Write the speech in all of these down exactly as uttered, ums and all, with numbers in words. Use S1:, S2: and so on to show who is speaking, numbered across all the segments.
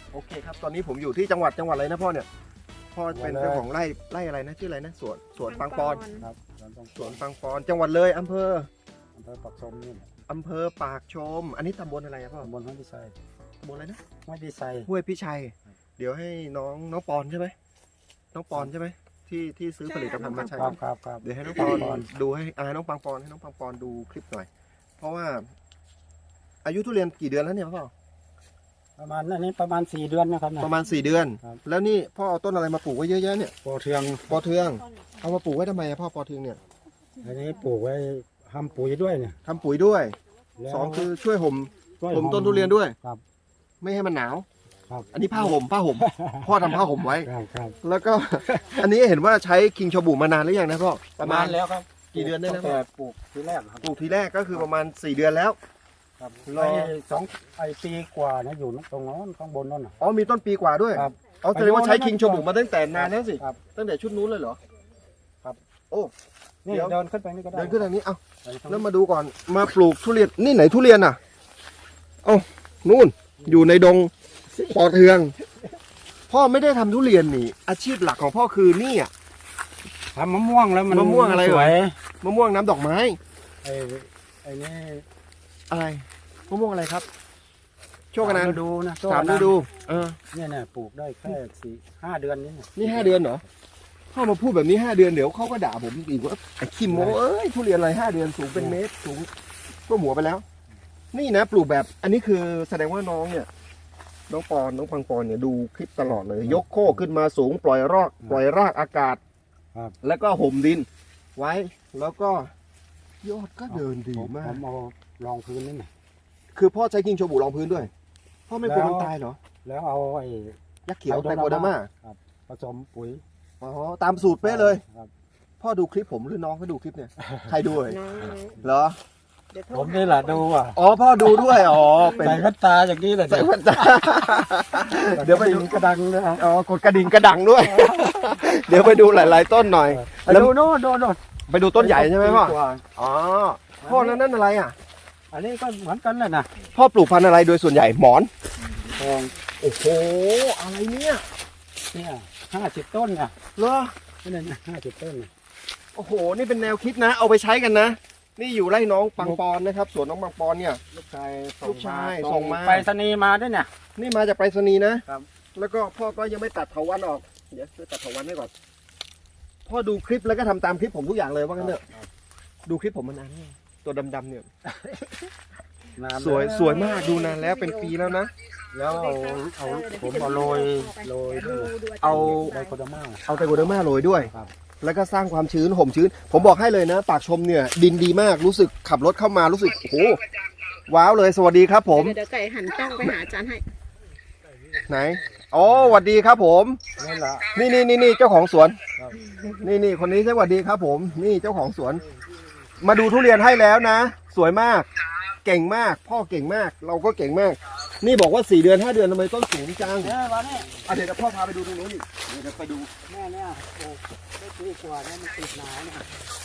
S1: โอเคครับตอนนี้ผมอยู่ที่จังหวัดจังหวัดอะไรนะพ่อเนี่ยพ่อเป็นเจ้าของไร่ไร่อะไรนะชื่ออะไรนะสวนสวนปังปอน
S2: ครับ
S1: สวนปังปอนจังหวัดเลยอำเภอ
S2: อำเภอปักชมนี่แหละ
S1: อำเภอปากชม อันนี้ตำบลอะไรอะพ่อ
S2: ตำบลห้วยดีไซน์
S1: ตำบลอะไรนะ
S2: ห้วยดีไซน์
S1: ห้วยพิชัย เดี๋ยวให้น้องน้องปอนใช่ไหมน้องปอนใช่ไหมที่ที่ซื้อผลิตภัณฑ์มาใช้
S2: ครับครับครับ
S1: เดี๋ยวให้น้องปอนดูให้อ่าน้องปังปอนให้น้องปังปอนดูคลิปหน่อย เพราะว่า อายุทุเรียนกี่เดือนแล้วเนี่ยพ่อ
S2: ประมาณอันนี้ประมาณสี่เดือนนะครับนะ
S1: ประมาณสี่เดือน
S2: ครับ
S1: แล้วนี่พ่อเอาต้นอะไรมาปลูกไว้เยอะแยะเนี่ย
S2: ปอเทือง
S1: ปอเทืองเอามาปลูกไว้ทำไมอะพ่อปอเทืองเนี่ย
S2: อันนี้ปลูกไว้ทำปุ๋ยด้วยเนี่ย
S1: ทำปุ๋ยด้วย
S2: แล้ว
S1: สองคือช่วยห่ม
S2: กล้วย
S1: ห่มต้นทุเรียนด้วย
S2: ครับ
S1: ไม่ให้มันหนาว
S2: ครับ
S1: อันนี้ผ้าห่มผ้าห่ม พ่อทำผ้าห่มไว้
S2: ครับครับ
S1: แล้วก็ อันนี้เห็นว่าใช้คิงชอบูมานานหรือยังนะพ่อ
S2: ประมาณแล้วครับ
S1: กี่เดือนได้แล้ว
S2: ตั้งแต่ปลูกทีแรกครับ
S1: ปลูกทีแรกก็คือประมาณสี่เดือนแล้ว
S2: ครับ
S1: รอ
S2: ไอ้สองไอ้ปีกว่านะอยู่ตรงโน้นข้างบนนั่นน่ะ
S1: อ๋อมีต้นปีกว่าด้วย
S2: ครับ
S1: เอาแสดงว่าใช้คิงชอบูมาตั้งแต่นานแล้วสิ
S2: ครับ
S1: ตั้งแต่ชุดนู้นเลยเหรอ
S2: ครับ
S1: โอ้
S2: นี่
S1: เดี๋ยว
S2: เดินขึ้นไปนี่ก็ได้
S1: เดินขึ้นทางนี้ เอา
S2: ไปทาง
S1: แล้วมาดูก่อน มาปลูกทุเรียน นี่ไหนทุเรียนอ่ะ เอ้านู่น อยู่ในดงปอเทือง พ่อไม่ได้ทำทุเรียนนี่ อาชีพหลักของพ่อคือนี่อ่ะ
S2: ทำมะม่วงแล้วมัน
S1: มะม่วงอะไร
S2: สวย
S1: มะม่วงน้ำดอกไม้
S2: ไอ้ไอ้นี่
S1: อะไร มะม่วงอะไรครับ โชคกันนะ
S2: ฤดูนะ
S1: สามฤดู เออ
S2: เนี่ยเนี่ยปลูกได้แค่สี่ห้าเดือนนี่
S1: นี่ห้าเดือนเหรอ พ่อมาพูดแบบนี้ห้าเดือนเดี๋ยวเขาก็ด่าผมอีกว่าไอ้คิมโมเอ้ยทุเรียนอะไรห้าเดือนสูงเป็นเมตรสูงก็หัวไปแล้ว นี่นะปลูกแบบ อันนี้คือแสดงว่าน้องเนี่ย น้องปอนน้องปังปอนเนี่ยดูคลิปตลอดเลย ยกโค้ขึ้นมาสูงปล่อยรากปล่อยรากอากาศ
S2: ครับ
S1: แล้วก็ห่มดิน ไว้ แล้วก็ยอดก็เดินดี
S2: ผม
S1: มา
S2: ผ
S1: ก
S2: มเอารองพื้นนี่นะ
S1: คือพ่อใช้กิ้งโชบูรองพื้นด้วย พ่อไม่กลัวมันตายเหรอ
S2: แล้วเอาไอ้
S1: ยักษ์เขียวไตรโคเดอร์มา
S2: ครับผสมปุ๋ย
S1: อ๋อตามสูตรเป๊ะเลย
S2: ครับ
S1: พ่อดูคลิปผมหรือน้องเขาดูคลิปเนี่ย ใครดูเลย
S3: น้อง
S1: เหรอ
S3: เดี๋ยวโทร
S2: ผมนี่แหละดูอ่ะ
S1: อ๋อพ่อดูด้วย อ๋อเป็น
S2: ใส่แว่นตาอย่างนี้เลย
S1: ใส่แว่นตา เดี๋ยวไปดู
S2: กระดังนะฮะ
S1: อ๋อกดกระดิ่งกระดังด้วย เดี๋ยวไปดูหลาย ๆ ต้นหน่อย
S2: ไป
S1: แล้ว
S2: ดูโน่นโน่นโน่น
S1: ไปดูต้นใหญ่ใช่ไหมพ่อ
S2: ปีกว่า
S1: อ๋อ พ่อนั่นนั่นอะไรอ่ะ
S2: อันนี้ก็เหมือนกันเลยนะ
S1: พ่อปลูกพันธุ์อะไรโดยส่วนใหญ่หมอน
S2: ทอง
S1: โอ้โห อะไรเนี่ย
S2: เนี่ยห้าสิบต้นเนี่ย
S1: เหรอ
S2: นี่นะห้าสิบต้นเนี่ย
S1: โอ้โห นี่เป็นแนวคิดนะ เอาไปใช้กันนะ นี่อยู่ไร่น้องปังปอนนะครับ สวนน้องปังปอนเนี่ย
S2: ลูกชาย
S1: ลูกชายส่งมา
S2: ไปรษณีย์มาด้วยเนี่ย
S1: นี่มาจากไปรษณีย์นะ
S2: ครับ
S1: แล้วก็พ่อก็ยังไม่ตัดเถาวัลย์ออก เดี๋ยวช่วยตัดเถาวัลย์ให้ก่อน พ่อดูคลิปแล้วก็ทำตามคลิปผมทุกอย่างเลยว่างั้นเถอะ
S2: ครับ
S1: ดูคลิปผมมานานแล้วตัวดำๆเนี่ย
S2: นาน
S1: สวย
S2: แล้
S1: สวยมากดูนานแล้วเป็นปีแล้วนะ
S2: แล้วเอาเอาผมเอาโรยโรย
S3: ดู
S2: ด้วย
S3: ดู
S1: เอา
S2: ไดโคเดอร์มา
S1: เอาไตรโคเดอร์มาโรยด้วย
S2: ครับ
S1: แล้วก็สร้างความชื้นห่มชื้น ผมบอกให้เลยนะ ปากชมเนี่ย ดินดีมากรู้สึกขับรถเข้ามารู้สึกโอ้โหว้าวเลยสวัสดีครับผม
S3: เดี๋ยวไก่หันกล้องไปหาอาจารย์ให้
S1: ไหนอ๋อสวัสดีครับผม
S2: นี่แหละ
S1: นี่นี่นี่นี่เจ้าของสวน
S2: ครับ
S1: นี่นี่คนนี้สวัสดีครับผม นี่เจ้าของสวน มาดูทุเรียนให้แล้วนะ สวยมาก เก่งมาก พ่อเก่งมาก เราก็เก่งมาก นี่บอกว่าสี่เดือนห้าเดือนทำไมต้นสูงจัง
S2: เนี่ยวันนี้
S1: อ่ะเดี๋ยวพ่อพาไปดูตรงนู้นอีกเดี๋ยวไปดู
S2: แม่เนี่ยปลูกได้ปีกว่าเนี่ยมันติดหนาวเนี่ย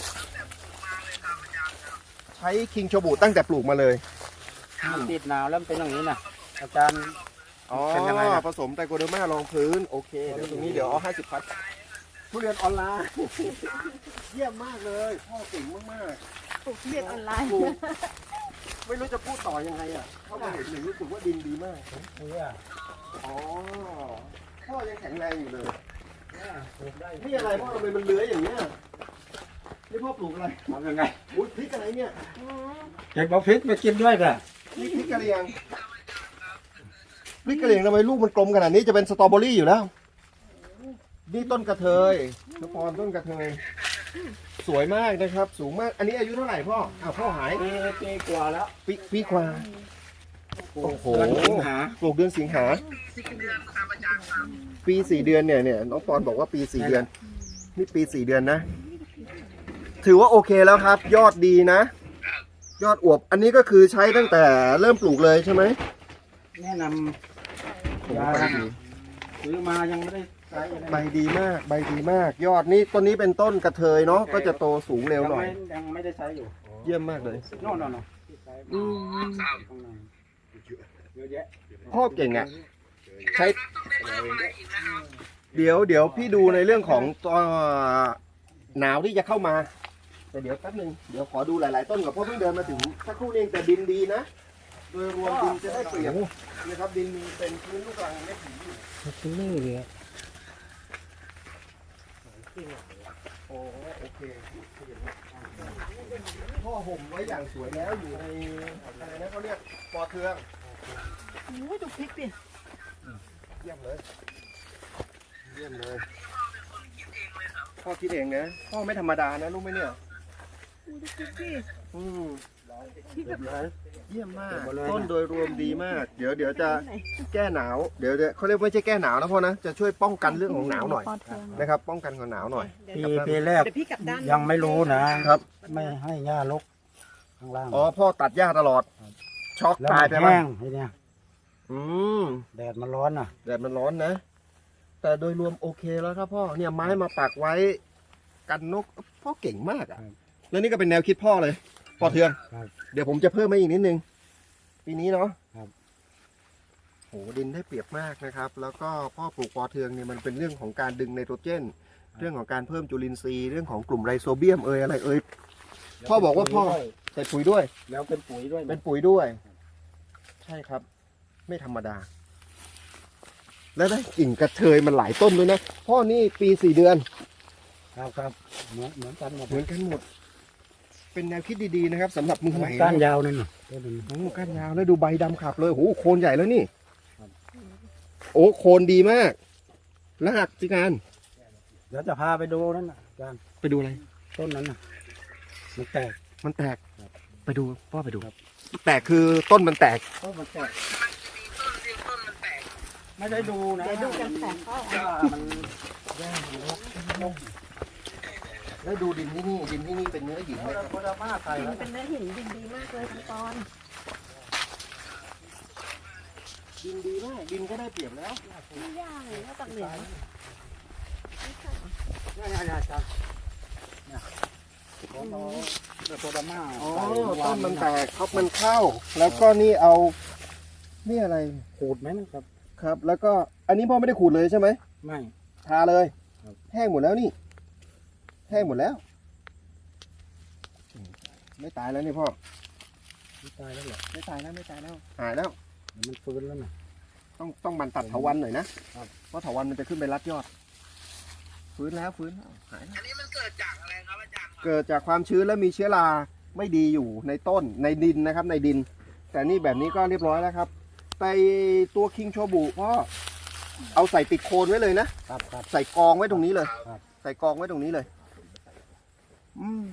S1: ใช้คิงโชบูตั้งแต่ปลูกมาเลย
S2: มันติดหนาวแล้วมันเป็นอย่างนี้นะอาจารย์
S1: อ๋อ
S2: เป็นยังไงนะ
S1: ผสมไตรโคเดอร์มารองพื้น โอเค เดี๋ยวตรงนี้เดี๋ยวเอาห้าสิบพัดทุเรียนออนไลน์ เยี่ยมมากเลย พ่อเก่งมาก
S3: ปลูกทุเรียนออนไลน์
S1: ๆปลูกไม่รู้จะพูดต่อยังไงอ่ะเข้ามาเห็นหนึ่งรู้สึกว่าดินดีมาก
S2: เนี่ย
S1: อ๋อ พ่อยังแข็งแรงอยู่เลย
S2: เนี่ยปลูกได้
S1: นี่อะไรพ่อทำไมมันเลื้อยอย่างเงี้ย นี่พ่อปลูกอะไร
S2: ทำยังไง
S1: อุ้ยพริกอะไรเนี่ย
S2: เก็บเอาพริกไปกินด้วยกัน
S1: นี่พริกกะเหรี่ยง พริกกะเหรี่ยงทำไมลูกมันกลมขนาดนี้จะเป็นสตรอเบอรี่อยู่แล้ว นี่ต้นกระเทยนปอนต้นกระเทย สวยมากนะครับ สูงมาก อันนี้อายุเท่าไหร่พ่อ อ้าวพ่อหาย
S2: ปีปีกว่าแล้ว
S1: ปีปีกว่า โอ้โห
S2: เดือนสิงหา
S1: ปลูกเดือนสิงหา ปีสี่เดือนเนี่ยเนี่ยน้องปอนบอกว่าปีสี่เดือน นี่ปีสี่เดือนนะ ถือว่าโอเคแล้วครับ ยอดดีนะ ยอดอวบ อันนี้ก็คือใช้ตั้งแต่เริ่มปลูกเลยใช่ไหม
S2: แนะน
S1: โอ้
S2: ำ
S1: โห
S2: ยา
S1: ใบดี
S2: ซื้อมายังไม่ได้ใช้อะไร
S1: ใบดีมาก ใบดีมาก ยอดนี้ต้นนี้เป็นต้นกระเทยเนาะ ก็จะโตสูงเร็วหน่อย
S2: งไม่ยังไม่ได้ใช้อยู่
S1: เยี่ยมมากเลย
S2: โน่นโน่นโน่น
S1: อืม
S2: ข้างในเยอะแยะ
S1: พ่อเก่งอ่ะใช้เดี๋ยวเดี๋ยวพี่ดูในเรื่องของตัวหนาวที่จะเข้ามา แต่เดี๋ยวแป๊บนึงเดี๋ยวขอดูหลายๆต้นก่อนเพราะเพิ่งเดินมาถึงสักครู่นี้เองแต่ดินดีนะ โดยรวมดินจะได้เปรียบนะครับดินมีเป็นพื้นลูกรังไม่ถึงอยู่
S2: เป็นเลื่อยเลย
S1: โอ้โอเคพ่อห่มไว้อย่างสวยแล้วอยู่ในอะไรนะเขาเรียกปอเทือง
S3: โอ้ยดูพริกดิ
S1: เยี่ยมเลยเยี่ยมเลยพ่อคิดเองนะพ่อไม่ธรรมดานะรู้ไหมเนี่ย
S3: ดูพริกดิ
S1: อืม
S3: พริกแบบ
S1: เยี่ยมมากต้นโดยรวมดีมาก เดี๋ยวเดี๋ยวจะแก้หนาวเดี๋ยวจะเขาเรียกไม่ใช่แก้หนาวนะพ่อนะจะช่วยป้องกันเรื่องของหนาวหน่อยนะครับ ป้องกันของหนาวหน่อย
S3: เดี๋ยว
S2: ปีปีแรก
S3: เดี๋ยวพี่กลับด้าน
S2: ยังไม่รู้นะครับ ไม่ให้หญ้ารกข้างล่าง
S1: อ๋อพ่อตัดหญ้าตลอด ช็อก
S2: แล้ว
S1: ตาย
S2: มัน
S1: ไปมั้
S2: แห้
S1: ย
S2: งทีเนี้ย
S1: อืม
S2: แดดมันร้อนน่ะ
S1: แดดมันร้อนนะ แต่โดยรวมโอเคแล้วครับพ่อเนี่ยไม้มาปักไว้กันนกพ่อเก่งมากอ่ะ
S2: ครับ
S1: แล้วนี่ก็เป็นแนวคิดพ่อเลยปอเทือง
S2: ครับ
S1: เดี๋ยวผมจะเพิ่มมาอีกนิดนึงปีนี้เนาะ
S2: ครับ
S1: โหดินได้เปรียบมากนะครับ แล้วก็พ่อปลูกปอเทืองเนี่ยมันเป็นเรื่องของการดึงไนโตรเจน เรื่องของการเพิ่มจุลินทรีย์เรื่องของกลุ่มไรโซเบียมเอยอะไรเอย พ่อบอกว่าพ่อ ใส่ปุ๋ยด้วย
S2: แล้วเป็นปุ๋ยด้วย
S1: เป็นปุ๋ยด้วย ใช่ครับ ไม่ธรรมดา แล้วได้กิ่งกระเทยมันหลายต้นด้วยนะพ่อนี่ปีสี่เดือน
S2: ครับครับเหมือนเหมือนกันหมด
S1: เหมือนกันหมด เป็นแนวคิดดีๆนะครับสำหรับมือใหม่
S2: ก้านยาวนั่นน่ะต้นนึง
S1: โอ้ก้านยาวแล้วดูใบดำขับเลยโอ้โหโคนใหญ่แล้วนี่
S2: ครับ
S1: โอ้โคนดีมากแล้วหักจิการ
S2: เดี๋ยวจะพาไปดูนั่นน่ะอาจารย์
S1: ไปดูอะไร
S2: ต้นนั้นน่ะมันแตก
S1: มันแตก
S2: ครับ
S1: ไปดูพ่อไปดู
S2: ครับ
S1: แตกคือต้นมันแตก
S2: ต้นมันแตกไม่ได้ดูนะ
S3: เดี๋ยวดูกันแสงพ่อ
S2: ว่ามันแย่มันรกรก
S1: แล้วดูดินที่นี่ดินที่นี่เป็นเนื้อหินไหม
S2: แล้ว
S1: ครับ
S2: โคดาม่าใส่
S3: ดิน
S2: แล้ว
S3: เป็นเนื้อหินดินดีมากเลยทั้งตอน
S1: ดินดีมากดินก็ได้เปรียบแล้ว
S3: ไม่ยากเลยว่าตักเหนือ
S2: เนี่ยเนี่ยเนี่ยอาจารย์เนี่ยของเราโคดาม่า
S1: อ๋อ
S2: ใส่
S1: ต้นมันแตกครับมันเข้า แล้วก็นี่เอานี่อะไร
S2: ขูดไหมนะครับ
S1: ครับ แล้วก็อันนี้พ่อไม่ได้ขูดเลยใช่ไหม
S2: ไม่
S1: ทาเลย
S2: ครับ
S1: แห้งหมดแล้วนี่แห้งหมดแล้ว ไม่ตายแล้วนี่พ่อ
S2: ไม่ตายแล้วเหรอ
S1: ไม่ตายแล้วไม่ตายแล้วหายแล้ว
S2: เดี๋ยวมันฟื้นแล้วนะ
S1: ต้องต้องมันตัดเถาวัลย์หน่อยนะครับ เพราะเถาวัลย์มันจะขึ้นไปรัดยอด ฟื้นแล้วฟื้นแล้วหายแล้ว
S4: อันนี้มันเกิดจากอะไรครับอาจารย์ครับ
S1: เกิดจากความชื้นและมีเชื้อราไม่ดีอยู่ในต้นในดินนะครับในดิน แต่นี่แบบนี้ก็เรียบร้อยแล้วครับไปตัวคิงโชบุพ่อเอาใส่ติดโคนไว้เลยนะครับ
S2: ครับ
S1: ใส่กองไว้ตรงนี้เลย
S2: ครับ
S1: ใส่กองไว้ตรงนี้เลย อืม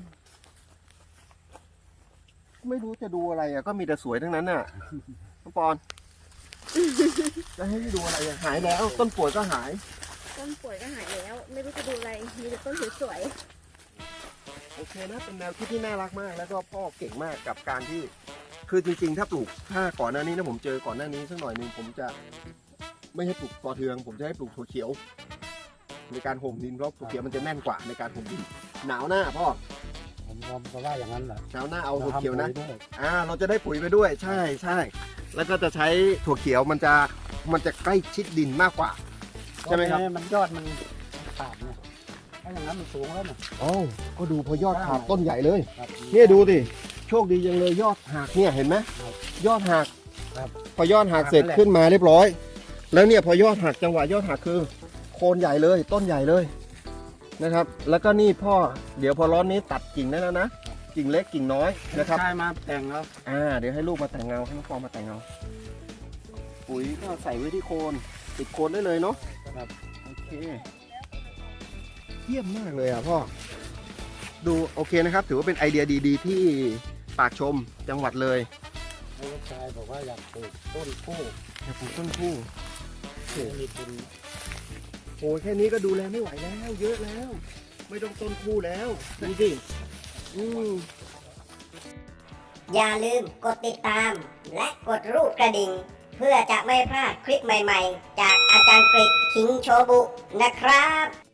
S1: ไม่รู้จะดูอะไรอ่ะก็มีแต่สวยทั้งนั้นน่ะน้องปอนจะให้ดูอะไรอ่ะหายแล้ว ต้นป่วยก็หาย
S3: ต้นป่วยก็หายแล้ว ไม่รู้จะดูอะไร มีแต่ต้นสวย
S1: โอเคนะเป็นแนวคิดที่น่ารักมาก แล้วก็พ่อเก่งมากกับการที่ คือจริงๆ ถ้าปลูกถ้าก่อนหน้านี้นะผมเจอก่อนหน้านี้สักหน่อยหนึงผมจะไม่ให้ปลูกปอเทือง ผมจะให้ปลูกถั่วเขียว ในการห่มดินเพราะถั่วเขียวมันจะแน่นกว่าในการห่มดินหนาวหน้าพ่อ
S2: ผมผมก็ว่าอย่างนั้นแหละ
S1: หนาวหน้าเอาถั่วเขียวนะ
S2: ทำปุ๋ด้วย
S1: อ่าเราจะได้ปุ๋ยไปด้วย ใช่ใช่แล้วก็จะใช้ถั่วเขียวมันจะมันจะใกล้ชิดดินมากกว่า ใช่ไหมครับ
S2: ต้นนี้มันยอดมันขาดเนี่ยถ้าอย่างนั้นมันสูงแล้วนะ
S1: อ๋อก็ดูพอยอดขาดต้นใหญ่เลย
S2: ครับ
S1: เนี่ยดูดิโชคดีจังเลยยอดหักเนี่ยเห็นไหม
S2: ครับ
S1: ยอดหัก
S2: ครับ
S1: พอยอดหักเสร็จ
S2: หักนั่นแหละ
S1: ขึ้นมาเรียบร้อย แล้วเนี่ยพอยอดหักจังหวะยอดหักคือโคนใหญ่เลย ต้นใหญ่เลยนะครับ แล้วก็นี่พ่อเดี๋ยวพอร้อนนี้ตัดกิ่งได้แล้วนะกิ่งเล็กกิ่งน้อยนะครับ
S2: ชายมาแต่งแล้ว
S1: อ่าเดี๋ยวให้ลูกมาแต่งเงาให้น้องฟองมาแต่งเงาปุ๋ยก็ใส่ไว้ที่โคนติดโคนได้เลยเนาะ
S2: ครับ
S1: โอเคเยี่ยมมากเลยอ่ะพ่อดูโอเคนะครับ ถือว่าเป็นไอเดียดีๆ ที่ปากชมจังหวัดเลย
S2: ลูกชายบอกว่าอยากปลูกต้นกู้
S1: อยากปลูกต้นคู่
S2: มีทุน
S1: โอ้ยแค่นี้ก็ดูแลไม่ไหวแล้ว เยอะแล้ว ไม่ต้องต้นคู่แล้วดูสิอืม
S5: อย่าลืมกดติดตาม และกดรูปกระดิ่ง เพื่อจะไม่พลาดคลิปใหม่ๆ จากอาจารย์กฤษคิงโชบุนะครับ